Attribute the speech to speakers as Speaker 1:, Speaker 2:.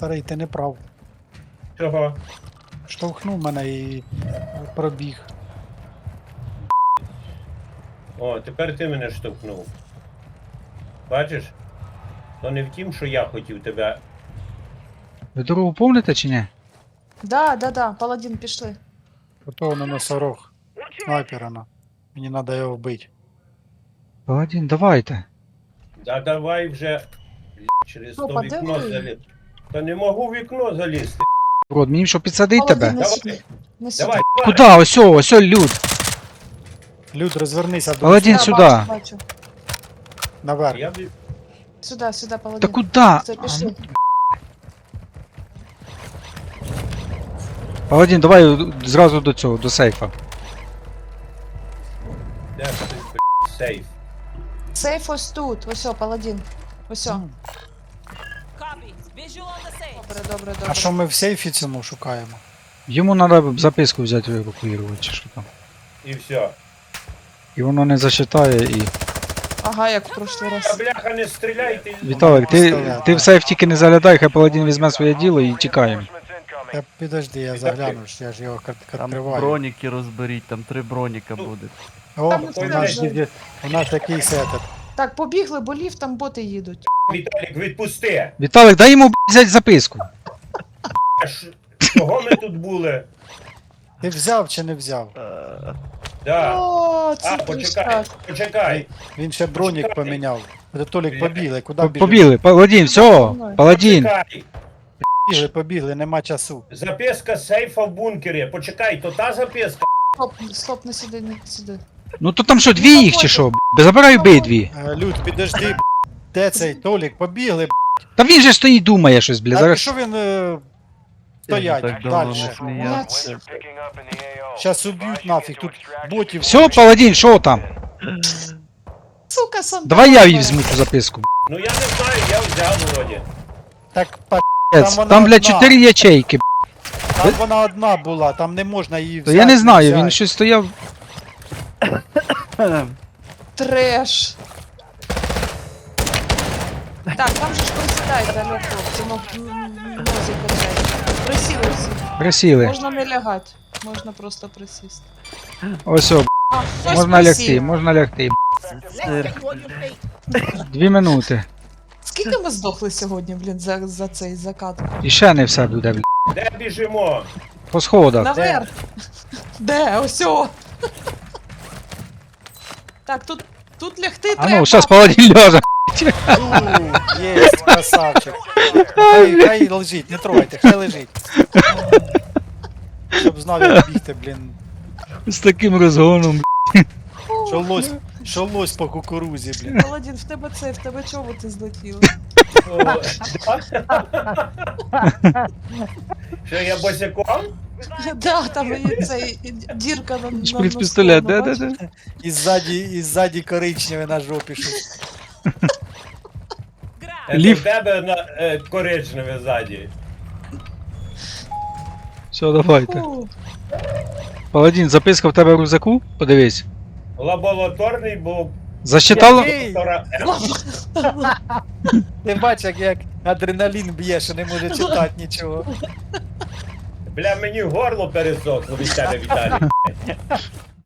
Speaker 1: Старий, ти не прав.
Speaker 2: Чого?
Speaker 1: Штовхнув мене і пробіг.
Speaker 2: О, тепер ти мене штовхнув. Бачиш? То не в тім, що я хотів тебе.
Speaker 3: Ви дорогу помните чи ні?
Speaker 4: Да, паладін, пішли.
Speaker 1: Ото на носорог. Снайпера на. Мені треба його вбити.
Speaker 3: Паладін, давайте.
Speaker 2: Да давай вже через
Speaker 4: Ну,
Speaker 2: то вікно
Speaker 4: подиви.
Speaker 2: заліз. Та не можу в вікно залізти.
Speaker 3: Рот, мені що підсадить
Speaker 4: Паладін,
Speaker 3: тебе?
Speaker 4: не
Speaker 2: Давай.
Speaker 4: сюди. Не сюди.
Speaker 2: Давай,
Speaker 3: Куда? Ось, люд.
Speaker 1: Люд, розвернися до
Speaker 3: Паладін,
Speaker 4: Да,
Speaker 3: сюди.
Speaker 4: бачу.
Speaker 1: наверх.
Speaker 2: Я
Speaker 4: Сюди,
Speaker 3: Та
Speaker 4: паладін.
Speaker 3: куда?
Speaker 4: Все, пішли.
Speaker 3: Паладін, давай зразу до цього, до сейфа.
Speaker 2: де ж ти, сейф?
Speaker 4: Сейф ось тут. Ось, паладін. Ось.
Speaker 1: М.
Speaker 5: Copy. Visual on the safe.
Speaker 4: Добре.
Speaker 1: А що ми в сейфі цьому шукаємо?
Speaker 3: Йому треба записку взяти евакуювати, чи що там.
Speaker 2: І все.
Speaker 3: І воно не зачитає і...
Speaker 4: Ага, як в прошлий
Speaker 2: А
Speaker 4: раз.
Speaker 2: бляха, не стріляйте.
Speaker 3: Віталик, ти в сейф тільки не заглядай, хай Паладін візьме своє діло і тікаємо.
Speaker 1: Та підожди, я загляну, ж я ж його
Speaker 6: Там
Speaker 1: відкриваю.
Speaker 6: броніки розберіть, там 3 броніка буде.
Speaker 1: О,
Speaker 4: Там
Speaker 1: у
Speaker 4: не
Speaker 1: нас,
Speaker 4: страшно.
Speaker 1: у нас такий сетап.
Speaker 4: Так, побігли, бо ліфт, там боти їдуть.
Speaker 2: Віталік, відпусти.
Speaker 3: Віталик, дай йому взяти записку.
Speaker 2: Чого ми тут були?
Speaker 1: Ти взяв чи не взяв?
Speaker 2: Да.
Speaker 4: О, це
Speaker 2: А, почекай,
Speaker 4: так.
Speaker 2: почекай.
Speaker 1: Він ще бронік поміняв. Толік, побігли, куди біжимо?
Speaker 3: Побігли, Паладін, все, Паладін.
Speaker 2: Почекай.
Speaker 1: Побігли, нема часу.
Speaker 2: Записка сейфа в бункері. Почекай, то та записка.
Speaker 4: Стоп, не сюди, не сюди.
Speaker 3: Ну то там що, дві їх чи що? Забирай обидві.
Speaker 1: Люд, підожди, де цей Толік? Побігли,
Speaker 3: Та він же стоїть думає щось, бля,
Speaker 1: А
Speaker 3: зараз.
Speaker 1: що він стоять
Speaker 6: Так давно не
Speaker 1: далі?
Speaker 6: сміявся.
Speaker 1: Щас уб'ють нафіг, тут ботів.
Speaker 3: Все, Паладін, що там?
Speaker 4: Сука, сам.
Speaker 3: Давай я візьму цю записку.
Speaker 2: Ну я не знаю, я взяв вроді.
Speaker 1: Так,
Speaker 3: Блядь.
Speaker 1: вона
Speaker 3: Там, бля,
Speaker 1: одна.
Speaker 3: 4 ячейки.
Speaker 1: там вона одна була, там не можна її
Speaker 3: То
Speaker 1: взяти.
Speaker 3: я не знаю,
Speaker 1: взяти.
Speaker 3: він щось стояв.
Speaker 4: Треш. Так, там же ж присідають далі хлопці, нозі качають. Присіли всі.
Speaker 3: Присіли.
Speaker 4: Можна не лягати, можна просто присісти.
Speaker 3: Ось, о,
Speaker 4: А, хтось
Speaker 3: можна
Speaker 4: присів.
Speaker 3: лягти, можна лягти. 2 минути.
Speaker 4: Скільки ми здохли сьогодні, блін, за цей закат?
Speaker 3: І ще не все буде, бля.
Speaker 2: Де біжимо?
Speaker 3: По сходах.
Speaker 4: Наверх. Де? Ось о. Так, тут лягти
Speaker 3: А
Speaker 4: треба.
Speaker 3: ну, зараз Паладін ляже.
Speaker 1: Єсть, красавчик. Хай лежить, не трогайте, хай лежить. Щоб знав, як бігти, блін.
Speaker 3: З таким розгоном.
Speaker 1: Що лось по кукурузі, блін.
Speaker 4: Паладін, в тебе чоботи злетіли.
Speaker 2: О, да? Що я босяком?
Speaker 4: Да, там є цей дірка на
Speaker 3: Шприц-пістолет,
Speaker 4: носкому,
Speaker 3: да.
Speaker 4: бачиш?
Speaker 1: І ззаді коричневе на жопі щось.
Speaker 2: Це
Speaker 3: Лів.
Speaker 2: в тебе на коричневе ззаді.
Speaker 3: Все, давайте.
Speaker 4: Фу.
Speaker 3: Паладін, записка в тебе в рюкзаку? Подивись.
Speaker 2: Лабораторний був.
Speaker 3: Засчитало?
Speaker 1: Який?
Speaker 2: Доктора
Speaker 1: Ти бачиш, як адреналін б'є, що не може читати нічого.
Speaker 2: Бля, мені горло пересохло від тебе, Віталій.